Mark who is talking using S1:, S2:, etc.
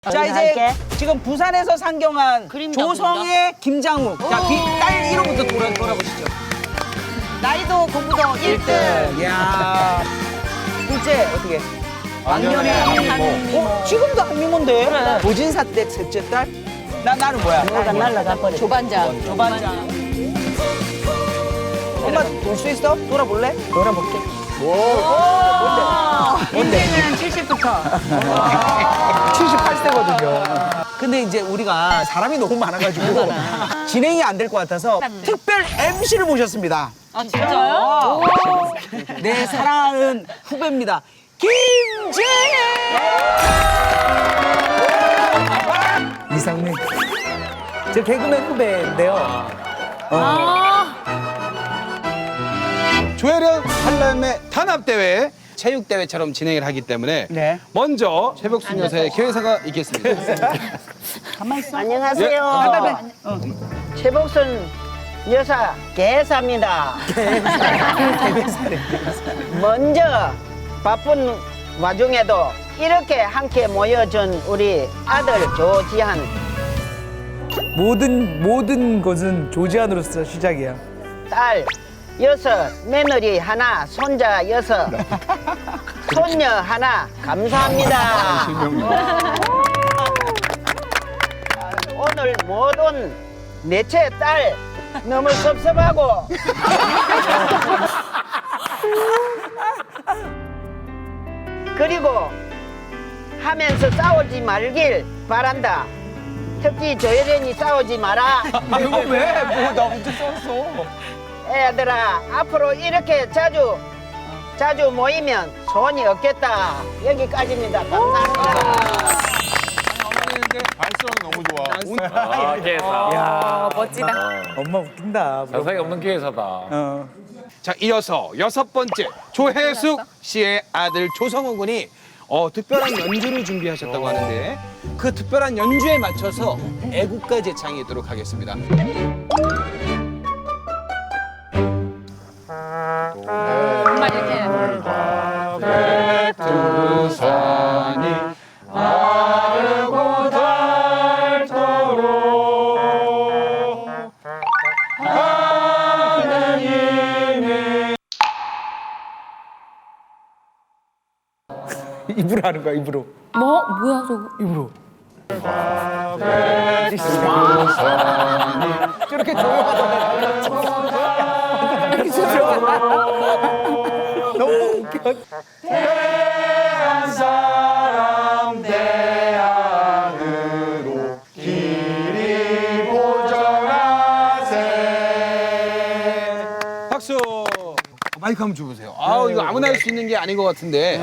S1: 자 이제
S2: 할게.
S1: 지금 부산에서 상경한
S3: 그림자,
S1: 조성의 김장욱. 자, 딸 1호부터 돌아보시죠.
S3: 나이도 공부도 1등.
S1: 야 둘째 어떻게?
S4: 왕년의 한미모.
S1: 지금도 한미모인데?
S2: 그래.
S1: 도진사 때 셋째 딸? 나는 뭐야?
S2: 뭐가 날라가 버려.
S3: 조반장.
S1: 조반장. 엄마 돌 수 있어? 돌아볼래?
S2: 돌아볼게.
S3: 인생은 70부터.
S1: 78세거든요. 근데 이제 우리가 사람이 너무 많아가지고 진행이 안 될 것 같아서 특별 MC를 모셨습니다.
S3: 아, 진짜요?
S1: 내 사랑하는 후배입니다. 김재현! 이상민. 저 개그맨 후배인데요.
S4: 조혜련 한남의 단합대회 체육대회처럼 진행을 하기 때문에
S1: 네.
S4: 먼저 최복순 여사의 개회사가 있겠습니다.
S2: 안녕하세요. 최복순 여사 개사입니다. 먼저 바쁜 와중에도 이렇게 함께 모여준 우리 아들 조지한
S1: 모든 것은 조지안으로서 시작이야.
S2: 딸 6, 며느리 하나, 손자 6, 손녀 하나 감사합니다. 오늘 못 온 넷째 딸 너무 섭섭하고 그리고 하면서 싸우지 말길 바란다. 특히 조혜련이 싸우지 마라.
S1: 이거 왜? 나 언제 썼어?
S2: 애들아 앞으로 이렇게 자주 모이면 소원이 없겠다. 여기까지입니다. 감사합니다.
S4: 발성이 너무 좋아.
S5: 아, 기회사.
S1: 야,
S3: 멋지다.
S1: 엄마 웃긴다.
S5: 자상이 없는 기회사다.
S4: 자, 이어서 6번째 조혜숙 씨의 아들 조성호 군이 특별한 연주를 준비하셨다고 하는데 그 특별한 연주에 맞춰서 애국가 제창이도록 하겠습니다.
S3: 엄마 이렇게.
S1: 입으로 하는 거야, 입으로.
S3: 뭐? 뭐야, 저거?
S1: 입으로. 저렇게 조용하잖아. 너무 웃겨.
S4: 박수. 마이크 한번 줘보세요. 아우 이거 아무나 할 수 있는 게 아닌 것 같은데.